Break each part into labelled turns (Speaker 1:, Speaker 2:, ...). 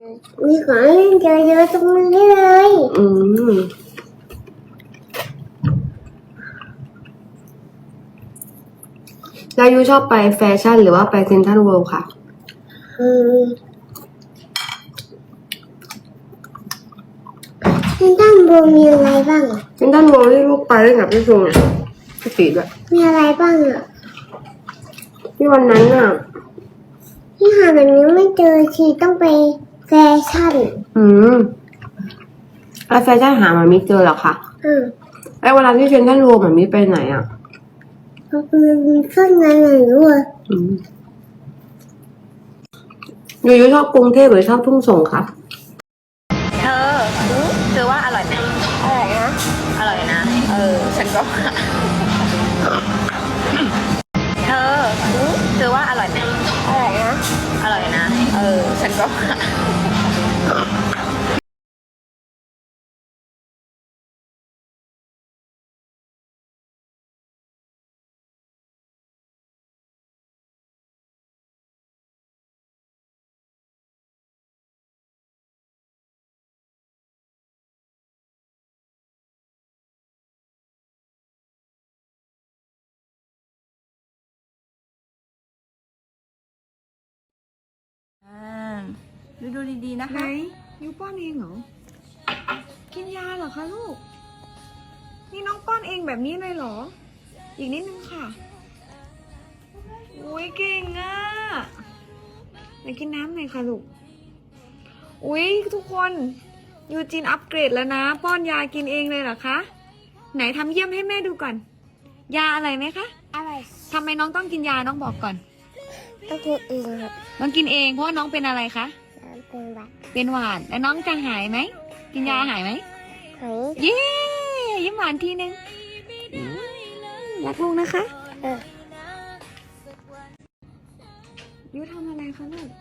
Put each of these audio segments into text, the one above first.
Speaker 1: มีของเล่นเยอะๆตรงนี้เลย
Speaker 2: แล้วยูชอบไปแฟชั่นหรือว่าไปเซ็นทรัลเวิลด์ค่ะ
Speaker 1: เซ็นทรัลเวิลด์มีอะไรบ้าง
Speaker 2: เซ็นทรัลเวิลด์ที่ลูกไปเล่นกับพี่ซูนพี่ตีด้วย
Speaker 1: มีอะไรบ้างอ่ะ
Speaker 2: ที่วันนั้นอ่ะ
Speaker 1: ที่หาแบบนี้ไม่เจอทีต้องไปแฟชั่น
Speaker 2: แล้วแฟชั่นหามามิเจอหรอคะแล้วเวลาที่เซ็นทรัลเวิลด์มามิไปไหนอ่ะ
Speaker 1: มันเครื่องงานไหนด้วย
Speaker 2: ยูชอบกรุงเทพหรือชอบทุ่งส่งครับ
Speaker 3: เธอว่าอร่อยไหม
Speaker 1: อร่อยนะ
Speaker 3: อร่อยนะฉันก็เธอว่าอร่อยไหม
Speaker 1: อร่อยนะ
Speaker 3: อร่อยนะฉันก็ดูดีๆนะคะ
Speaker 4: ไหนยูป้อนเองเหรอกินยาเหรอคะลูกนี่น้องป้อนเองแบบนี้เลยเหรออีกนิดนึงค่ะอุ้ยเก่งอ่ะไหนกินน้ำหน่อยค่ะลูกอุ้ยทุกคนยูจินอัปเกรดแล้วนะป้อนยากินเองเลยเหรอคะไหนทำเยี่ยมให้แม่ดูก่อนยาอะไรไหมคะ
Speaker 1: อร่อย
Speaker 4: ทำไมน้องต้องกินยาน้องบอกก่อน
Speaker 1: ต้องกินเองครับ
Speaker 4: น้องกินเองเพราะว่าน้องเป็นอะไรคะ
Speaker 1: เป็นหวัด
Speaker 4: แล้วน้องจะหายไหมกินยาหายไหมเย้ยิ้มหวานทีนึงรักลูกนะคะยูทำอะไรคะลูก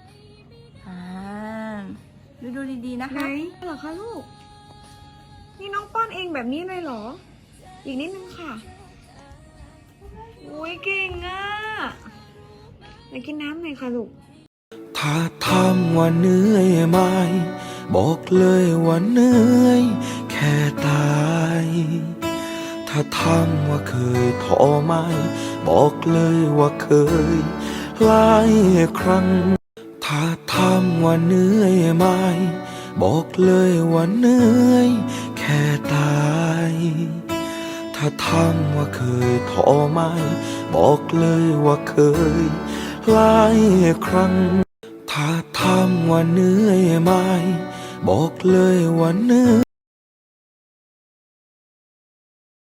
Speaker 3: ดูดีๆนะ
Speaker 4: ไหน
Speaker 3: คะ
Speaker 4: เหรอคะลูกนี่น้องป้อนเองแบบนี้เลยเหรออีกนิดนึงค่ะอุ้ยเก่งอ่ะไหนกินน้ำหน่อยค่ะลูก
Speaker 5: ถ้าถามว่าเหนื่อยไหมบอกเลยว่าเหนื่อยแค่ตายถ้าถามว่าเคยท้อไหมบอกเลยว่าเคยหลายครั้งถ้าถามว่าเหนื่อยไหมบอกเลยว่าเหนื่อยแค่ตายถ้าถามว่าเคยท้อไหมบอกเลยว่าเคยหลายครั้งถ้าถามว่าเหนื่อยไหมบอกเลยว่าเหนื่อย